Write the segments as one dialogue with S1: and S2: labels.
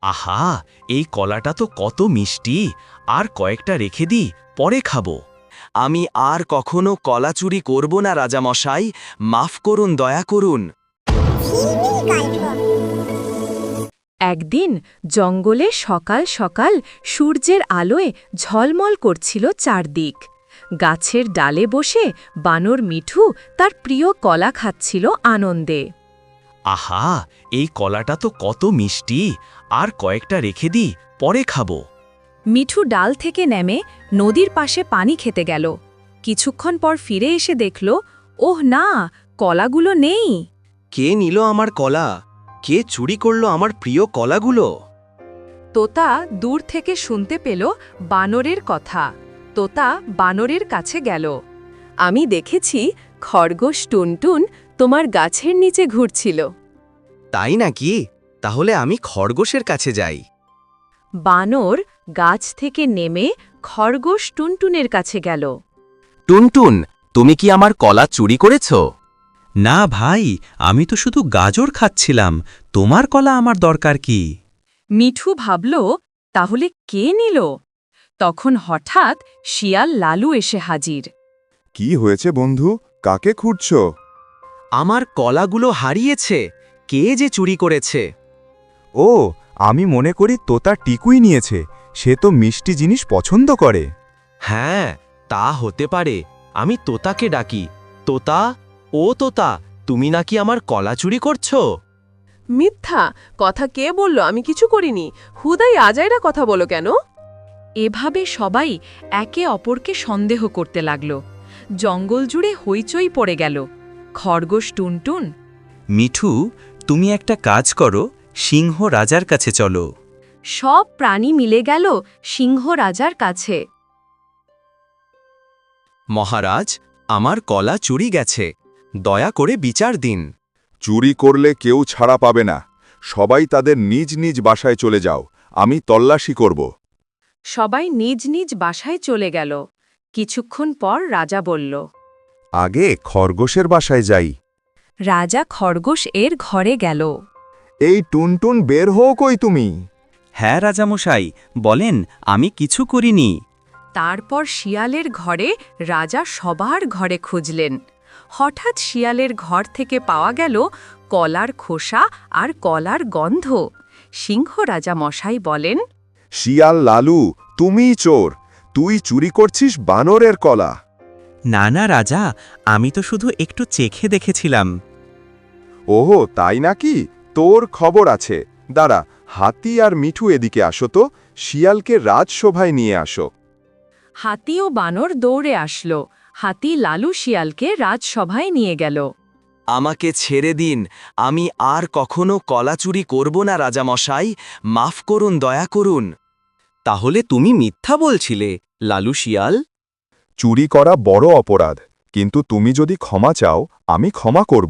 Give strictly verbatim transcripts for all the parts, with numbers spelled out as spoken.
S1: আহা, এই কলাটা তো কত মিষ্টি, আর কয়েকটা রেখে দিই, পরে খাবো।
S2: আমি আর কখনো কলা চুরি করব না রাজামশাই, মাফ করুন, দয়া করুন।
S3: একদিন জঙ্গলে সকাল সকাল সূর্যের আলোয় ঝলমল করছিল চারদিক। গাছের ডালে বসে বানর মিঠু তার প্রিয় কলা খাচ্ছিল আনন্দে।
S1: আহা, এই কলাটা তো কত মিষ্টি, আর কয়েকটা রেখে দিই, পরে খাবো।
S3: মিঠু ডাল থেকে নেমে নদীর পাশে পানি খেতে গেল। কিছুক্ষণ পর ফিরে এসে দেখল, ওহ না, কলাগুলো নেই।
S2: কে নিল আমার কলা? কে চুরি করলো আমার প্রিয় কলাগুলো?
S3: তোতা দূর থেকে শুনতে পেল বানরের কথা। তোতা বানরের কাছে গেল। আমি দেখেছি খরগোশ টুনটুন তোমার গাছের নিচে ঘুরছিল।
S2: তাই নাকি? তাহলে আমি খরগোশের কাছে যাই।
S3: বানর গাছ থেকে নেমে খরগোশ টুনটুনের কাছে গেল।
S2: টুনটুন, তুমি কি আমার কলা চুরি করেছ?
S1: না ভাই, আমি তো শুধু গাজর খাচ্ছিলাম, তোমার কলা আমার দরকার কি?
S3: মিঠু ভাবল, তাহলে কে নিল? তখন হঠাৎ শিয়াল লালু এসে হাজির।
S4: কি হয়েছে বন্ধু, কাকে খুঁজছ?
S2: আমার কলাগুলো হারিয়েছে, কে যে চুরি করেছে?
S4: ও, আমি মনে করি তোতা টিকুই নিয়েছে, সে তো মিষ্টি জিনিস পছন্দ করে।
S2: হ্যাঁ, তা হতে পারে। আমি তোতাকে ডাকি। তোতা, ও তোতা, তুমি নাকি আমার কলা চুরি করছো?
S5: মিথ্যা কথা কে বলল? আমি কিছু করিনি। হুদাই আজাইরা কথা বলো কেন?
S3: এভাবে সবাই একে অপরকে সন্দেহ করতে লাগল। জঙ্গল জুড়ে হইচই পড়ে গেল। খরগোশ টুনটুন,
S1: মিঠু, তুমি একটা কাজ করো, সিংহ রাজার কাছে চলো।
S3: সব প্রাণী মিলে গেল সিংহ রাজার কাছে।
S2: মহারাজ, আমার কলা চুরি গেছে, দয়া করে বিচার দিন।
S4: চুরি করলে কেউ ছাড়া পাবে না, সবাই তাদের নিজ নিজ বাসায় চলে যাও, আমি তল্লাশি করব।
S3: সবাই নিজ নিজ বাসায় চলে গেল। কিছুক্ষণ পর রাজা বলল,
S4: আগে খরগোশের বাসায় যাই।
S3: রাজা খরগোশ এর ঘরে গেল।
S4: এই টুনটুন, বের হও কই তুমি?
S1: হ্যাঁ রাজামশাই, বলেন, আমি কিছু করিনি।
S3: তারপর শিয়ালের ঘরে রাজা সবার ঘরে খুঁজলেন। হঠাৎ শিয়ালের ঘর থেকে পাওয়া গেল কলার খোসা আর কলার গন্ধ। সিংহ রাজা মশাই বলেন,
S4: শিয়াল লালু, তুমিই চোর, তুই চুরি করছিস বানরের কলা।
S1: না না রাজা, আমি তো শুধু একটু চেখে দেখেছিলাম।
S4: ওহো, তাই নাকি? তোর খবর আছে। দাঁড়া, হাতি আর মিঠু এদিকে আসো তো, শিয়ালকে রাজসভায় নিয়ে আসো।
S3: হাতি ও বানর দৌড়ে আসলো। হাতি লালু শিয়ালকে রাজসভায় নিয়ে গেল।
S2: আমাকে ছেড়ে দিন, আমি আর কখনো কলা চুরি করব না রাজামশাই, মাফ করুন, দয়া করুন। তাহলে তুমি মিথ্যা বলছিলে, লালু শিয়াল?
S4: চুরি করা বড় অপরাধ, কিন্তু তুমি যদি ক্ষমা চাও, আমি ক্ষমা করব।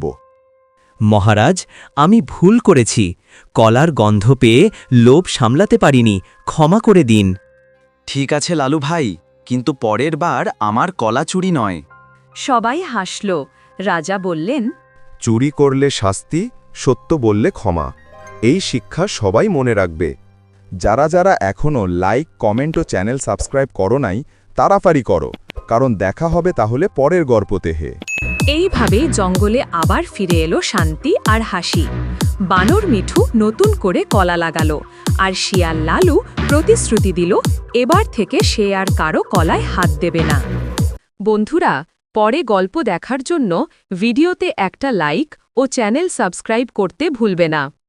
S1: মহারাজ, আমি ভুল করেছি, কলার গন্ধ পেয়ে লোভ সামলাতে পারিনি, ক্ষমা করে দিন।
S2: ঠিক আছে লালু ভাই, কিন্তু পরের বার আমার কলা চুরি নয়।
S3: সবাই হাসল। রাজা বললেন,
S4: চুরি করলে শাস্তি, সত্য বললে ক্ষমা। এই শিক্ষা সবাই মনে রাখবে। যারা যারা এখনও লাইক, কমেন্ট ও চ্যানেল সাবস্ক্রাইব করো নাই, তাড়াতাড়ি করো, কারণ দেখা হবে তাহলে পরের গল্পতে। হে
S3: এইভাবে জঙ্গলে আবার ফিরে এলো শান্তি আর হাসি। বানর মিঠু নতুন করে কলা লাগালো, আর শিয়াল লালু প্রতিশ্রুতি দিল এবার থেকে সে আর কারো কলায় হাত দেবে না। বন্ধুরা, পরে গল্প দেখার জন্য ভিডিওতে একটা লাইক ও চ্যানেল সাবস্ক্রাইব করতে ভুলবে না।